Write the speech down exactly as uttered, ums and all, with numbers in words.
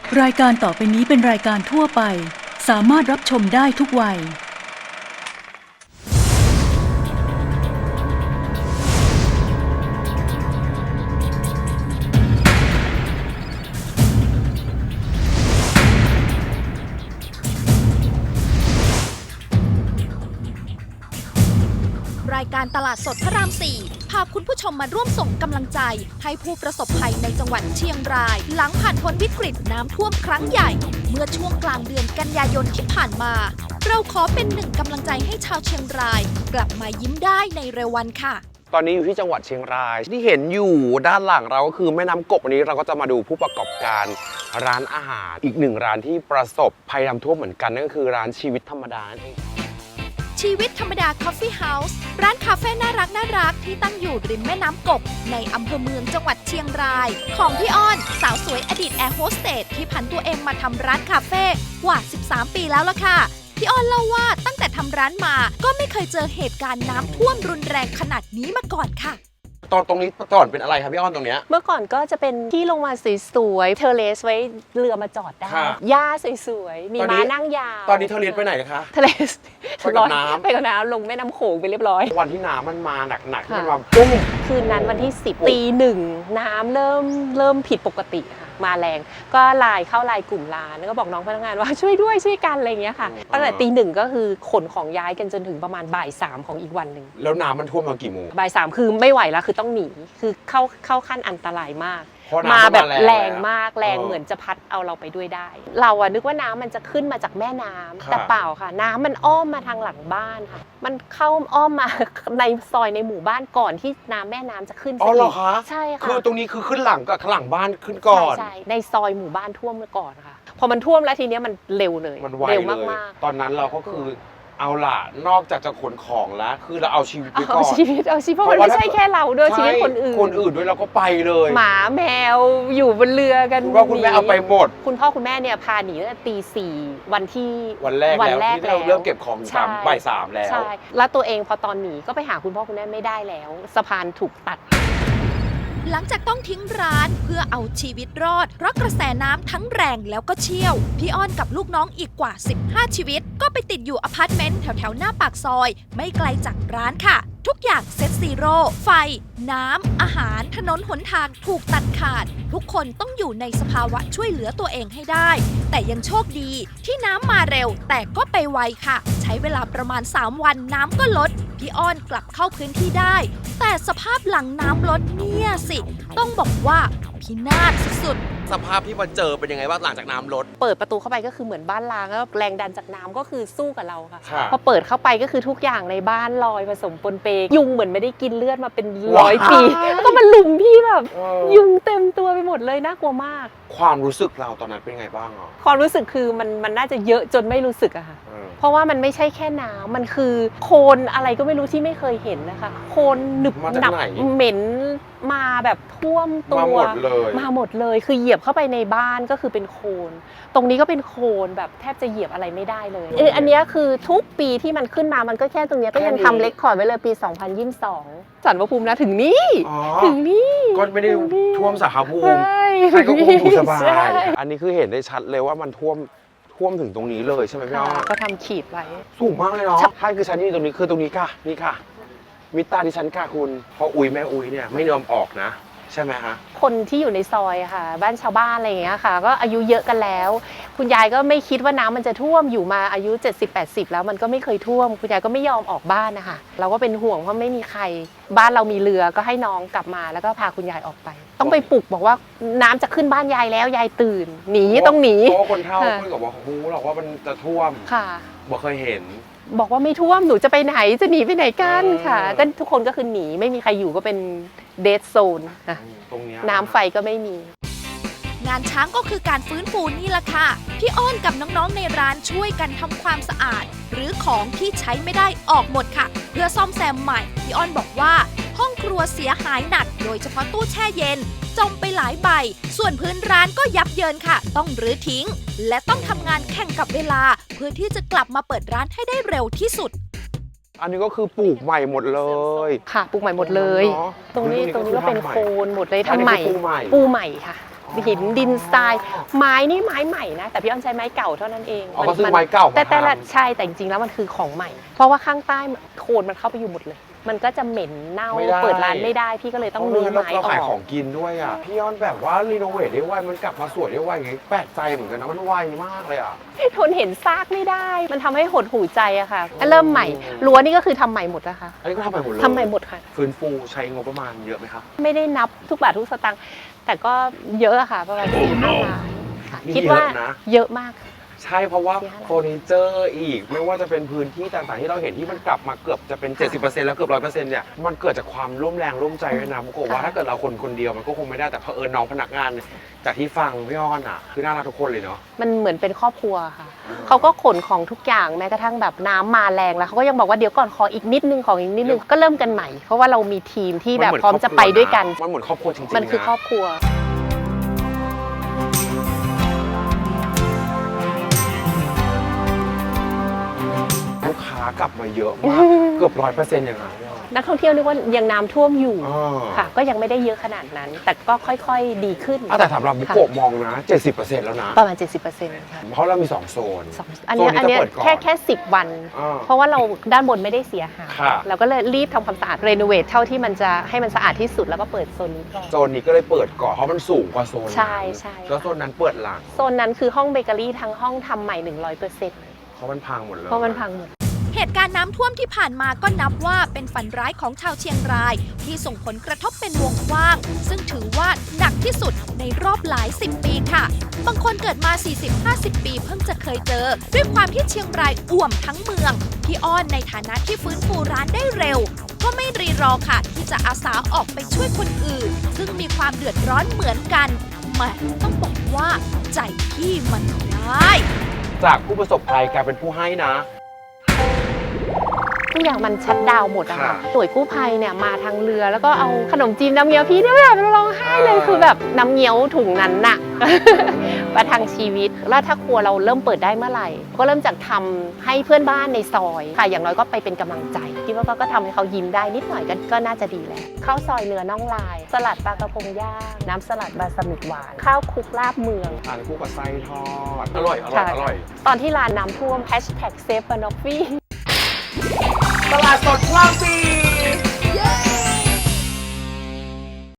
รายการต่อไปนี้เป็นรายการทั่วไปสามารถรับชมได้ทุกวัยรายการตลาดสดพระรามสี่พาคุณผู้ชมมาร่วมส่งกำลังใจให้ผู้ประสบภัยในจังหวัดเชียงรายหลังผ่านพ้นวิกฤตน้ำท่วมครั้งใหญ่เมื่อช่วงกลางเดือนกันยายนที่ผ่านมาเราขอเป็นหนึ่งกำลังใจให้ชาวเชียงรายกลับมายิ้มได้ในเร็ววันค่ะตอนนี้อยู่ที่จังหวัดเชียงรายที่เห็นอยู่ด้านหลังเราก็คือแม่น้ำกบวันนี้เราก็จะมาดูผู้ประกอบการร้านอาหารอีกหนึ่งร้านที่ประสบภัยน้ำท่วมเหมือนกันนั่นก็คือร้านชีวิตธรรมดานั่นเองชีวิตธรรมดาคอฟฟี่เฮาส์ร้านคาเฟ่น่ารักน่ารักที่ตั้งอยู่ริมแม่น้ำกบในอำเภอเมืองจังหวัดเชียงรายของพี่อ้อนสาวสวยอดีตแอร์โฮสเตสที่ผันตัวเองมาทำร้านคาเฟ่กว่าสิบสามปีแล้วล่ะค่ะพี่อ้อนเล่าว่าตั้งแต่ทำร้านมาก็ไม่เคยเจอเหตุการณ์น้ำท่วมรุนแรงขนาดนี้มาก่อนค่ะตอนตรงนี้ก่อนเป็นอะไรครับพี่อ้อนตรงเนี้ยเมื่อก่อนก็จะเป็นที่ลงมาสวยๆเทอร์เลสไว้เรือมาจอดได้หญ้าสวยๆมีม้านั่งยาวตอนนี้เทอร์เลสไปไหนคะเทอร์เลสไปกับน้ำไปกับน้ำลงแม่น้ำโขงไปเรียบร้อยวันที่น้ำมันมาหนักๆที่มันมาปุ้มคืนนั้นวันที่สิบตีหนึ่งน้ำเริ่มเริ่มผิดปกติค่ะมาแรงก็ไลน์เข้าไลน์กลุ่มร้านแล้วก็บอกน้องพนักงานว่าช่วยด้วยช่วยกันอะไรอย่างเงี้ยค่ะตั้งแต่ตีหนึ่งก็คือขนของย้ายกันจนถึงประมาณบ่ายสามของอีกวันหนึ่งแล้วน้ำมันท่วมมากี่โมงบ่ายสามคือไม่ไหวแล้วคือต้องหนีคือเข้าเข้าขั้นอันตรายมากมาแบบแรงมากแรงเหมือนจะพัดเอาเราไปด้วยได้เราอะนึกว่าน้ำมันจะขึ้นมาจากแม่น้ำแต่เปล่าค่ะน้ำมันอ้อมมาทางหลังบ้านค่ะมันเข้าอ้อมมาในซอยในหมู่บ้านก่อนที่น้ำแม่น้ำจะขึ้นอ๋อเหรอคะใช่ค่ะคือตรงนี้คือขึ้นหลังกับหลังบ้านขึ้นก่อนใช่ในซอยหมู่บ้านท่วมก่อนค่ะพอมันท่วมแล้วทีนี้มันเร็วเลยมันไวเลยตอนนั้นเราก็คือเอาล่ะนอกจากจะขนของแล้วคือเราเอาชีวิตไปก่อนเอาชีวิตเอาชีวิตเพราะมันไม่ใช่แค่เราด้วยชีวิตคนอื่นคนอื่นด้วยเราก็ไปเลยหมาแมวอยู่บนเรือกันคุณพ่อคุณแม่เอาไปหมดคุณพ่อคุณแม่เนี่ยพาหนีตั้งแต่ตีสี่วันที่วันแรกแล้วที่เราเริ่มเก็บของสามบ่ายสามแล้วใช่แล้วตัวเองพอตอนหนีก็ไปหาคุณพ่อคุณแม่ไม่ได้แล้วสะพานถูกตัดหลังจากต้องทิ้งร้านเพื่อเอาชีวิตรอดเพราะกระแสน้ำทั้งแรงแล้วก็เชี่ยวพี่อ้อนกับลูกน้องอีกกว่าสิบห้าชีวิตก็ไปติดอยู่อพาร์ตเมนต์แถวๆหน้าปากซอยไม่ไกลจากร้านค่ะทุกอย่างเซ็ตซีโร่ไฟน้ำอาหารถนนหนทางถูกตัดขาดทุกคนต้องอยู่ในสภาวะช่วยเหลือตัวเองให้ได้แต่ยังโชคดีที่น้ำมาเร็วแต่ก็ไปไวค่ะใช้เวลาประมาณสามวันน้ำก็ลดพี่อ้อนกลับเข้าพื้นที่ได้แต่สภาพหลังน้ำลดเนี่ยสิต้องบอกว่าพินาศสุดๆสภาพที่มาเจอเป็นยังไงบ้างหลังจากน้ำลดเปิดประตูเข้าไปก็คือเหมือนบ้านล้างแล้วแรงดันจากน้ำก็คือสู้กับเราค่ะพอเปิดเข้าไปก็คือทุกอย่างในบ้านลอยผสมปนเปยุงเหมือนไม่ได้กินเลือดมาเป็นร้อยปีแล้วก็มาลุมพี่แบบยุงเต็มตัวไปหมดเลยน่ากลัวมากความรู้สึกเราตอนนั้นเป็นไงบ้างอ่ะความรู้สึกคือมันมันน่าจะเยอะจนไม่รู้สึกอะค่ะเพราะว่ามันไม่ใช่แค่น้ำมันคือโคลนอะไรก็ไม่รู้ที่ไม่เคยเห็นนะคะโคลนหนึบหนับเหม็นมาแบบท่วมตัวมาหมดเลยมาหมดเลยคือเหยียบเข้าไปในบ้านก็คือเป็นโคลนตรงนี้ก็เป็นโคลนแบบแทบจะเหยียบอะไรไม่ได้เลยเอออันนี้คือทุกปีที่มันขึ้นมามันก็แค่ตรงนี้ก็ยังทำเรคคอร์ดไว้เลยปีสองพันยี่สิบสองสันพระภูมินะถึงนี่ถึงนี่ก็ไม่ได้ท่วมสาขาภูมิใครก็คงอยู่สบายอันนี้คือเห็นได้ชัดเลยว่ามันท่วมท่วมถึงตรงนี้เลยใช่ไหมพี่อ้อก็ทำขีดไว้สูงมากเลยเนาะใช่คือชั้นที่ตรงนี้คือตรงนี้ค่ะนี่ค่ะมิตาที่ชั้นค่ะคุณพออุยแม่อุยเนี่ยไม่ยอมออกนะใช่ไหมคะคนที่อยู่ในซอยอะค่ะบ้านชาวบ้านอะไรอย่างเงี้ยค่ะก็อายุเยอะกันแล้วคุณยายก็ไม่คิดว่าน้ำมันจะท่วมอยู่มาอายุ เจ็ดสิบแปดสิบ แล้วมันก็ไม่เคยท่วมคุณยายก็ไม่ยอมออกบ้านนะคะเราก็เป็นห่วงเพราะไม่มีใครบ้านเรามีเรือก็ให้น้องกลับมาแล้วก็พาคุณยายออกไปต้องไปปลุกบอกว่าน้ำจะขึ้นบ้านยายแล้วยายตื่นหนีต้องหนีเพราะคนเฒ่าคุยกับว่าฮู้หรอกว่ามันจะท่วมค่ะบ่เคยเห็นบอกว่าไม่ท่วมหนูจะไปไหนจะหนีไปไหนกันค่ะก็ทุกคนก็คือหนีไม่มีใครอยู่ก็เป็นเดดโซนตรงนี้น้ำไฟก็ไม่มีงานช้างก็คือการฟื้นฟูนี่แหละค่ะพี่อ้อนกับน้องๆในร้านช่วยกันทำความสะอาดหรือของที่ใช้ไม่ได้ออกหมดค่ะเพื่อซ่อมแซมใหม่พี่อ้อนบอกว่าห้องครัวเสียหายหนักโดยเฉพาะตู้แช่เย็นจมไปหลายใบส่วนพื้นร้านก็ยับเยินค่ะต้องรื้อทิ้งและต้องทำงานแข่งกับเวลาเพื่อที่จะกลับมาเปิดร้านให้ได้เร็วที่สุดอันนี้ก็คือปลูกใหม่หมดเลยค่ะปลูกใหม่หมดเลยตรงนี้ตรงนี้ก็เป็นโคนหมดเลยทำใหม่ปูใหม่ค่ะหินดินทรายไม้นี่ไม้ใหม่นะแต่พี่อ้อนใช้ไม้เก่าเท่านั้นเองอ๋อก็ซื้อไม้เก่าแต่แต่ละมาทำใช่แต่จริงๆแล้วมันคือของใหม่ เพราะว่าข้างใต้โคลนมันเข้าไปอยู่หมดเลย มันก็จะเหม็นเน่าไม่ได้เปิดร้านไม่ได้พี่ก็เลยต้องรื้อไม้อเราอขายขกองกินด้วยอ่ะพี่ย้อนแบบว่ารีโนเวทได้ไวมันกลับมาสวยได้ไวไงแปลกใจเหมือนกันนะมันไวมากเลยอ่ะทนเห็นซากไม่ได้ มันทำให้หดหูใจอะค่ะเริ่มใหม่รั้วนี่ก็คือทำใหม่หมดนะคะอันนี้ก็ทำใหม่หมดเลยทำใหม่หมดค่ะฟื้นฟูใช้งบประมาณเยอะไหมครับไม่ได้นับทุกบาททุกสตางค์แต่ก็เยอะอะค่ะประมาณสี่ห้าล้านค่ะนี่คิดว่าเยอะนะเยอะมากค่ะใช่เพราะว่าเสียหายเฟอร์นิเจอร์อีก ไม่ว่าจะเป็นพื้นที่ต่างๆที่เราเห็นที่มันกลับมาเกือบจะเป็น เจ็ดสิบเปอร์เซ็นต์ แล้วเกือบร้อยเปอร์เซ็นต์เนี่ยมันเกิดจากความร่วมแรงร่วมใจด้วยนะมุกโกะว่าถ้าเกิดเราคนคนเดียวมันก็คงไม่ได้แต่เผอิญน้องพนักงานเนี่ยจากที่ฟังพี่อ้อนอ่ะคือน่ารักทุกคนเลยเนาะมันเหมือนเป็นครอบครัวค่ะเขาก็ขนของทุกอย่างแม้กระทั่งแบบน้ำมาแรงแล้วเขาก็ยังบอกว่าเดี๋ยวก่อนขออีกนิดนึงของอีกนิดนึงก็เริ่มกันใหม่เพราะว่าเรามีทีมที่แบบพร้อมจะไปด้วยกันมันเหมือนครอบครัวจริงๆมันคือนะครอบครัวลูกค้ากลับมาเยอะมากเกือบร้อยเปอร์เซ็นต์อย่างนั้นนักท่องเที่ยวนึกว่ายังน้ำท่วมอยู่อ่าค่ะ ก็ยังไม่ได้เยอะขนาดนั้น แต่ก็ค่อยๆดีขึ้นอ่ะแต่สำหรับบุโกะมองนะ เจ็ดสิบเปอร์เซ็นต์ แล้วนะประมาณ เจ็ดสิบเปอร์เซ็นต์ ค่ะเพราะเรามี สอง โซนสองอันเนี้ยโซนนี้อันเนี้ยจะเปิดก่อนแค่แค่สิบวันอ่าเพราะว่าเราด้านบนไม่ได้เสียหายค่ะเราก็เลยรีบทำความสะอาดรีโนเวทเท่าที่มันจะให้มันสะอาดที่สุดแล้วก็เปิดโซนนี้ก่อนโซนนี้ก็เลยเปิดก่อน เพราะมันสูงกว่าโซนนั้นใช่ใช่แล้วโซนนั้นเปิดหลังโซนนั้นคือห้องเบเกอรี่ทั้งห้องทำใหม่ หนึ่งร้อยเปอร์เซ็นต์เพราะมันพังหมดเลยเพราะมันพังหมดเหตุการณ์น้ำท่วมที่ผ่านมาก็นับว่าเป็นฝันร้ายของชาวเชียงราย ที่ส่งผลกระทบเป็นวงกว้าง ซึ่งถือว่าหนักที่สุดในรอบหลายสิบปีค่ะ บางคนเกิดมา สี่สิบห้าสิบ ปีเพิ่งจะเคยเจอ ด้วยความที่เชียงรายอ่วมทั้งเมือง พี่อ้อนในฐานะที่ฟื้นฟูร้านได้เร็ว ก็ไม่รีรอค่ะ ที่จะอาสาออกไปช่วยคนอื่น ซึ่งมีความเดือดร้อนเหมือนกันแหมต้องบอกว่าใจพี่มันได้จากผู้ประสบภัยกลายเป็นผู้ให้นะทุกอย่างมันชัดดาวน์หมดอะค่ะค่ะหน่วยกู้ภัยเนี่ยมาทางเรือแล้วก็เอาขนมจีนน้ำเงี้ยวพี่เนี่ยแบบร้องไห้เลยอ่าคือแบบน้ำเงี้ยวถุงนั้นน่ะ ประทังชีวิตแล้วถ้าครัวเราเริ่มเปิดได้เมื่อไหร่ ก็เริ่มจากทำให้เพื่อนบ้านในซอยค่ะอย่างน้อยก็ไปเป็นกำลังใจคิดว่าก็ทำให้เขายิ้มได้นิดหน่อยก็ก็น่าจะดีแล้วข้าวซอยเนื้อน่องลาย สลัดปลากระพงย่างน้ำสลัดบาสมิกหวานข้าวคลุกลาบเมืองทานคู่กับไส้ทอด อร่อย อร่อย อร่อยตอนที่ร้านน้ำท่วม แฮชแท็กเซฟฟานอฟฟี่ตลาดสดคลองสี่